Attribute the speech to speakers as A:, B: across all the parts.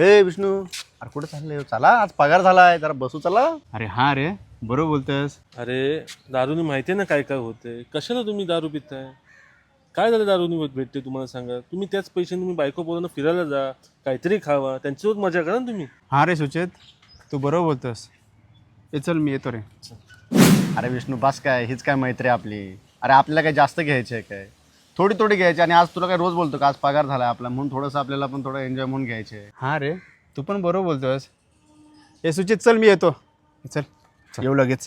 A: हे विष्णू, अरे कुठे चाललंय? चला आज पगार झालाय, जरा बसू चला.
B: अरे हा रे, बरोबर बोलतोस.
C: अरे दारूनी माहिती आहे ना काय काय होते. कशाला तुम्ही दारू पिताय? काय झालं दारूनी भेटते तुम्हाला सांगा. तुम्ही त्याच पैशाने तुम्ही बायको पोरांना फिरायला जा, काहीतरी खावा, त्यांच्यासोबत मजा करा ना तुम्ही.
B: हा रे सुचेत, तू बरोबर बोलतोस. ए चल मी येतो रे.
A: अरे विष्णू बस काय, हीच काय मैत्री आपली. अरे आपल्याला काय जास्त घ्यायचे आहे काय? थोडी थोडी घ्यायची. आणि आज तुला काय रोज बोलतो का आज पगार झालाय आपला, म्हणून थोडंसं आपल्याला पण थोडं एन्जॉय म्हणून घ्यायचे.
B: हा रे, तू पण बरोबर बोलतोस. ए सुचित चल मी येतो. चल येऊ लगेच.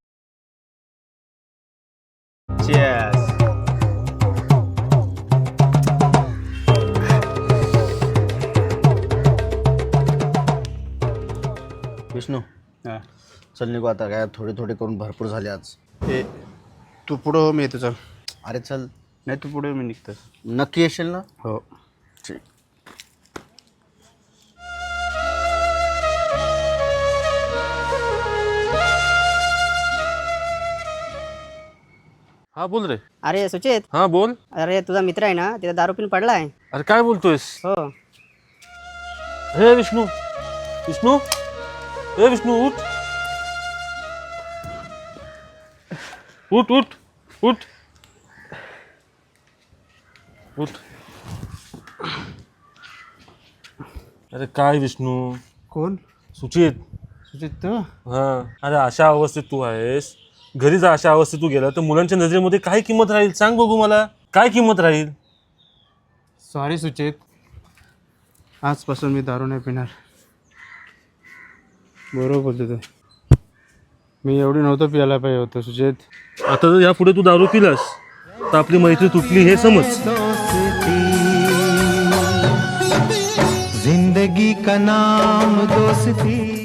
A: Cheers. विष्णू
B: हा.
A: चल निघू आता, काय थोडी थोडी करून भरपूर झाली आज.
B: ए तू पुढं हो, मी येतो. चल.
A: अरे चल.
B: नाही तू पुढे, मी निघतो.
A: नक्की येशील ना?
B: हो.
A: ठीक.
C: हा बोल रे.
D: अरे सुचेत,
C: हा बोल.
D: अरे तुझा मित्र आहे ना, तिथे दारू पिऊन पडलाय.
C: अरे काय बोलतोयस?
D: हो.
C: हे विष्णू, विष्णू, हे विष्णू उठ उठ उठ उठ उठ. अरे काय विष्णू?
B: कोण?
C: सुचित.
B: सुचित तू?
C: हा. अरे अशा अवस्थेत तू आहेस, घरी जा. अशा अवस्थेत तू गेला तर मुलांच्या नजरेमध्ये काय किंमत राहील सांग बघू मला. काय किंमत राहील?
B: सॉरी सुचित, आजपासून मी दारू नाही पिणार. बरोबर बोलतो तू. मी एवढी नव्हतं पियाला पाहिजे होतं सुचित.
C: आता जर यापुढे तू दारू पिलास तर आपली मैत्री तुटली हे समज.
E: जिंदगी का नाम दोस्ती.